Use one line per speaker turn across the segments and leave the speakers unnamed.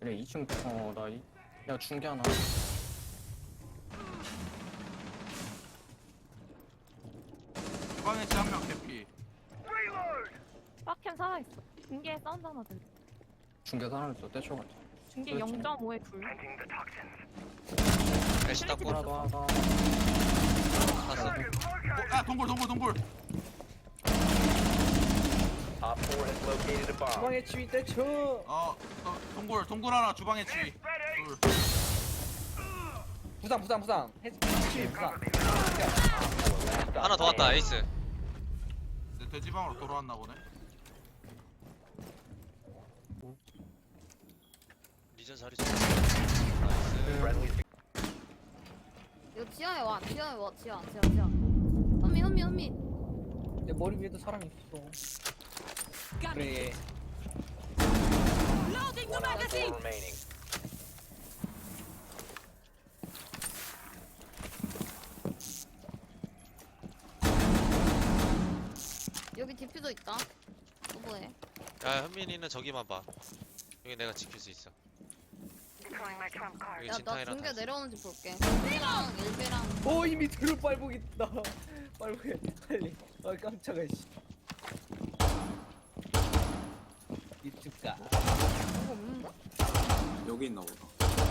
그래 2층 야 중계 하나.
주방에 한명 개피.
빡캠 살아있어. 중계에 사운드 하나 들려.
중계 사람을 또 떼쳐가지고.
중계
그렇지.
0.5에 둘.
애쉬 닦고
하나 더 하나 더.
갔어.
야 동굴.
Op 4 has located a bomb.
중앙에 치위 떼쳐.
동굴 하나 주방에 치위. 둘.
부상. 치위 부상.
하나 더 왔다 에이스.
내 돼지방으로 돌아왔나 보네.
리전 자리 좋아. 나이스.
Friendly
이거 지하에 와. 지하. 현미.
내 머리 위에도 사람이 있어. 그래.
one Op 4 remaining.
여기 디퓨저 있다. 또 뭐해?
야 현민이는 저기만 봐. 여기 내가 지킬 수 있어. 여기
야, 나
진탕이랑
중계
다 있어.
내려오는지 볼게. 일배랑 일배랑.
오 이미 뒤로 빨복 있다. 빨복해 빨리. 아 깜짝아 씨. 이쪽가.
이거 없는데?
여기 있나 보다.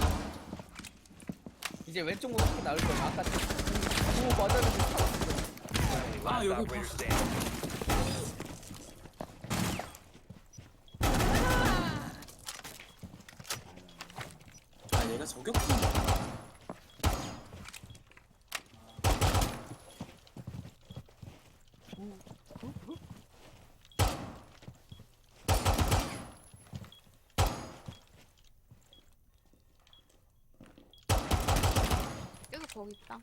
이제 왼쪽 모습이 나올 거야. 아까 오 맞았는데 살았어.
아 여기
Operator standing.
아 얘가 저격수인가?
계속 거기 있다.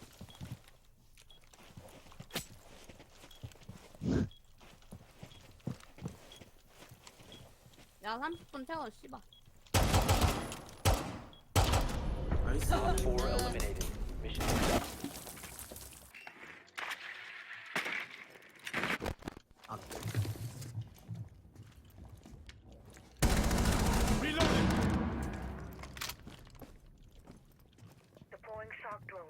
야, 30분 태워, 씨발.
나이스.
Op 4 eliminated. Mission successful.
아,
Deploying shock drone.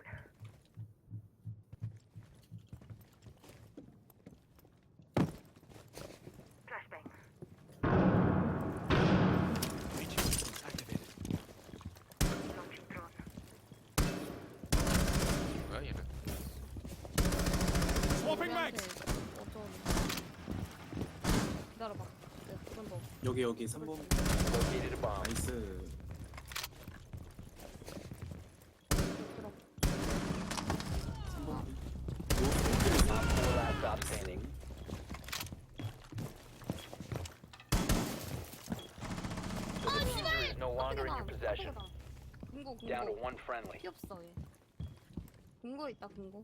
Flashbang. Launching drone.
뭐야 얘는?
우리한테 어쩌고. 기다려봐. 내가 그건 너.
여기 3번.
Located a bomb.
나이스.
들어.
3번.
Op 4 last stop standing. The diffuser is no longer in your possession.
궁고.
Down to one friendly.
피 없어, 얘. 궁고 있다, 궁고.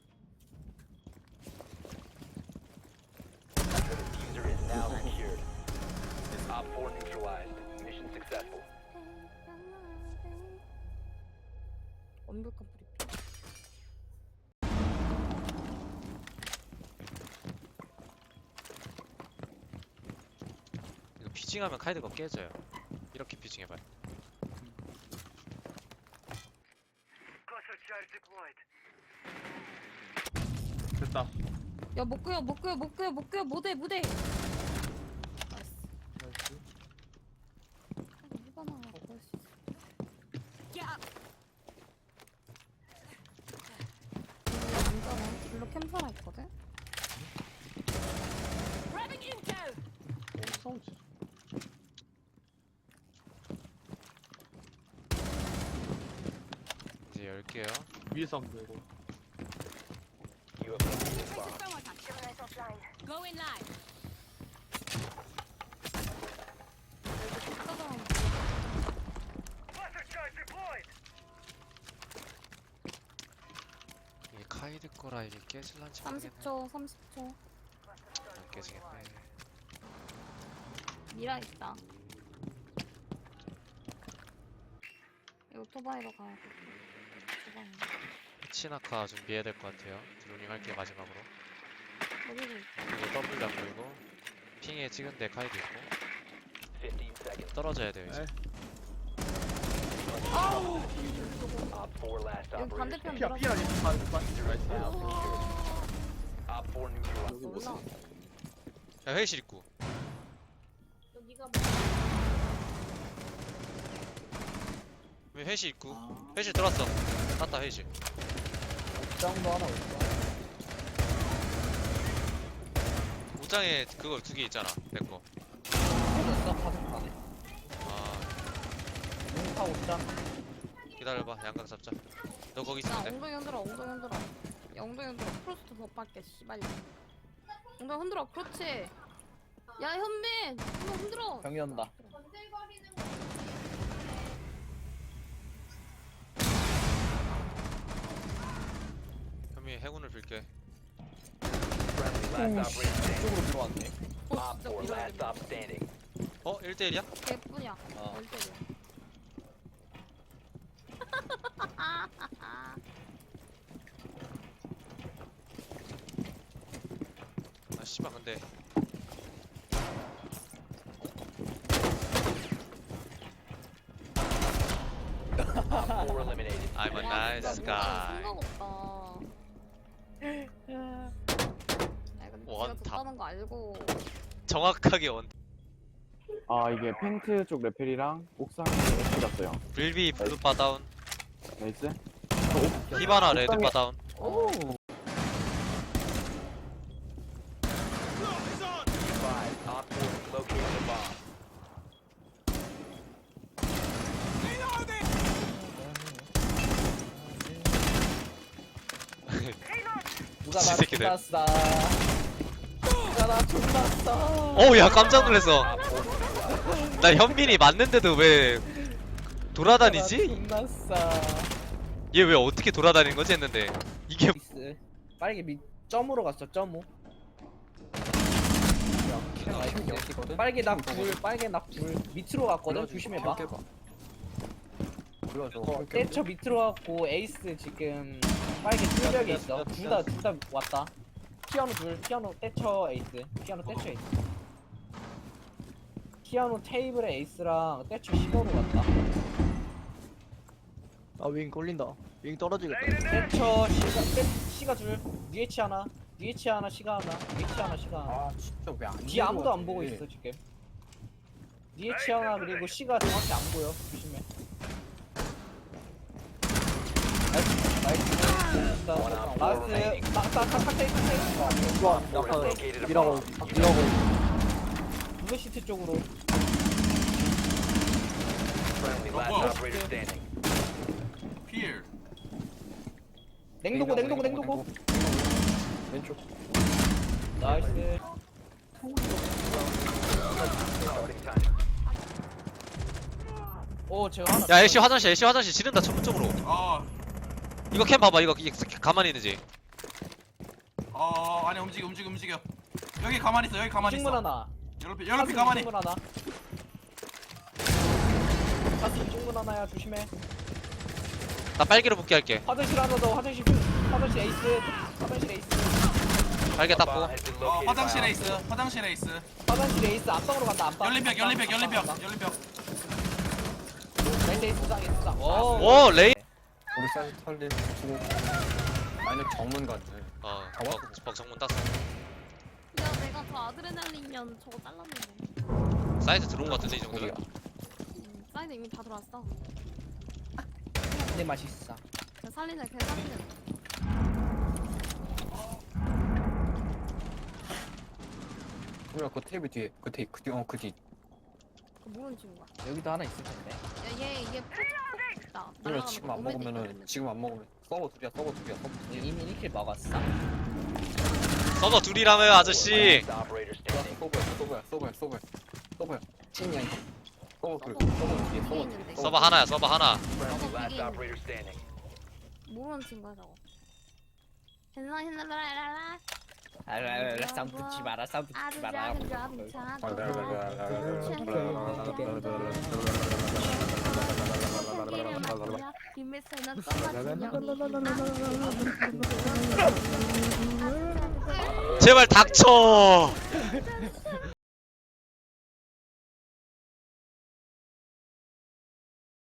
The diffuser is now secured. Op 4 neutralized. Mission successful.
완벽한 브리핑.
이거 피징하면 카이드가 깨져요. 이렇게 피징해봐요.
Cluster charge deployed.
됐다.
야, 못 끄요, 무대. 나이스. 해봐나, 그럴 수 있어. 남자는 블루 캠퍼라 있거든?
뭐 싸우지?
이제 열게요.
위에서 안 되고.
You have located a bomb.
Gemini's offline. Cluster charge deployed.
이게 카이드 거라 이게 깨질란지 모르겠네.
30초.
안 깨지겠네.
미라 있다. 이 오토바이로 가야 돼. 오토바이.
치나카 준비해야 될 것 같아요. 드로닝 할게 마지막으로.
여기도 있다.
그리고 더블 안 보이고 핑에 찍은 데 카이드 있고
15 seconds.
떨어져야 돼요 이제.
Op 4 last
여기
operator
반대편
standing.
피야
Now secured. Op 4 neutralized.
여기 뭐지?
야 회의실 입구. 왜 회의실 입구?
아,
회의실 들어왔어. 땄다 회의실.
옥상도 하나 있어.
옷장에 그거 2개 있잖아. 내 거.
터졌어? 파생판에.
아
용타 옥상.
기다려봐. 양각 잡자. 너 거기
야
있으면 돼.
엉덩이 흔들어 엉덩이 흔들어. 야 엉덩이 흔들어. 프로스트 더 밖에 씨발. 엉덩이 흔들어. 그렇지. 야 현민 한번 흔들어.
병이 온다.
현미 해군을 빌게.
Friendly last operator standing.
이쪽으로 들어왔네.
Op 4 last stop standing.
어? 1대1이야?
개뿐이야.
어.
열대야.
아 씨발 근데
Op 4 eliminated.
I'm a nice guy.
생각 없다. 야 근데
원탑.
제가 줬다는 거 알고.
정확하게 원.
아 이게 펜트 쪽 레펠이랑 옥상에 레펠 갔어요.
빌비 블루바 다운.
나이스.
히바나 레드바 다운.
오.
Advised, Op 4 has located a bomb.
누가 나
새끼들.
존났어. 누가 나 존났어.
어우 야 깜짝 놀랐어.
Op 4 neutralized.
나 현민이 맞는데도 왜 돌아다니지?
존났어.
얘 왜 어떻게 돌아다니는 거지 했는데 이게
미스. 빠르게 밑 점으로 갔어. 점으로.
캠 여기거든.
빨개 나 불. 빨개 나 불. 밑으로 갔거든. 조심해봐.
불러줘.
떼쳐 밑으로 갔고 에이스 지금 빨개 뚫벽에 있어. 둘 다 왔다. 피아노 둘. 피아노 떼쳐 에이스. 피아노 떼쳐 에이스. 피아노 테이블에 에이스랑 떼쳐 15로 갔다.
아윙 걸린다. 윙 떨어지겠다.
떼쳐 시가 둘. UH 하나. UH 하나 시가 하나. UH 하나 시가 하나.
아 진짜 왜안
뒤 아무도 안 보고 있어 지금. UH 하나 그리고 시가 정확히 안 보여. 조심해. 나이스. 나이스. 탁탁탁탁.
Op 4 has located a
미라고
bomb.
미라고.
블루 시트 쪽으로.
Friendly last
Whoa.
operator standing.
필.
냉동고.
왼쪽.
나이스.
Starting time.
오 제가 하나.
야 애쉬 화장실 지른다 천문 쪽으로.
아,
이거 캠 봐봐 이거 가만히 있는지.
아니 움직여. 여기 가만히 있어.
충분 하나.
연락피 가만히.
충분 하나. 가스 충분 하나야 조심해.
나 빨개로 복귀 할게.
화장실 하나 더. 화장실 에이스. 화장실 에이스.
빨개
Bomb
닦고.
has been located by
화장실
Op
에이스.
4.
화장실 에이스.
화장실 에이스 앞방으로 간다. 앞방.
열린벽.
나이스 에이스상.
오 레이.
우리 사이즈 털리 주고. 아니 정문 같아.
벅정문 땄어.
야 내가 저 아드레날린년 저거 잘랐는데.
사이즈 들어온 거 같은데 이 정도면.
사이드 이미 다 들어왔어.
내 맛있어.
저 살리네 걔 살리네.
우리가 그 테이블 뒤에 그 뒤.
그 모르는 친구야.
여기도 하나 있을 텐데.
야얘 폭 있다.
우리가 지금 안 먹으면은 지금 안 먹으면 서버 둘이야.
이미 1킬 먹었어.
서버 둘이라며요 아저씨.
Last operator standing.
서버야. 찐이야 이거. 서버 뒤에.
서버 하나야 서버 하나.
Friendly last
begin.
operator standing.
모르는 친구야 저거. 헬라라라라.
싸움 붙지 마라. 싸움 붙지 마라.
제발 닥쳐.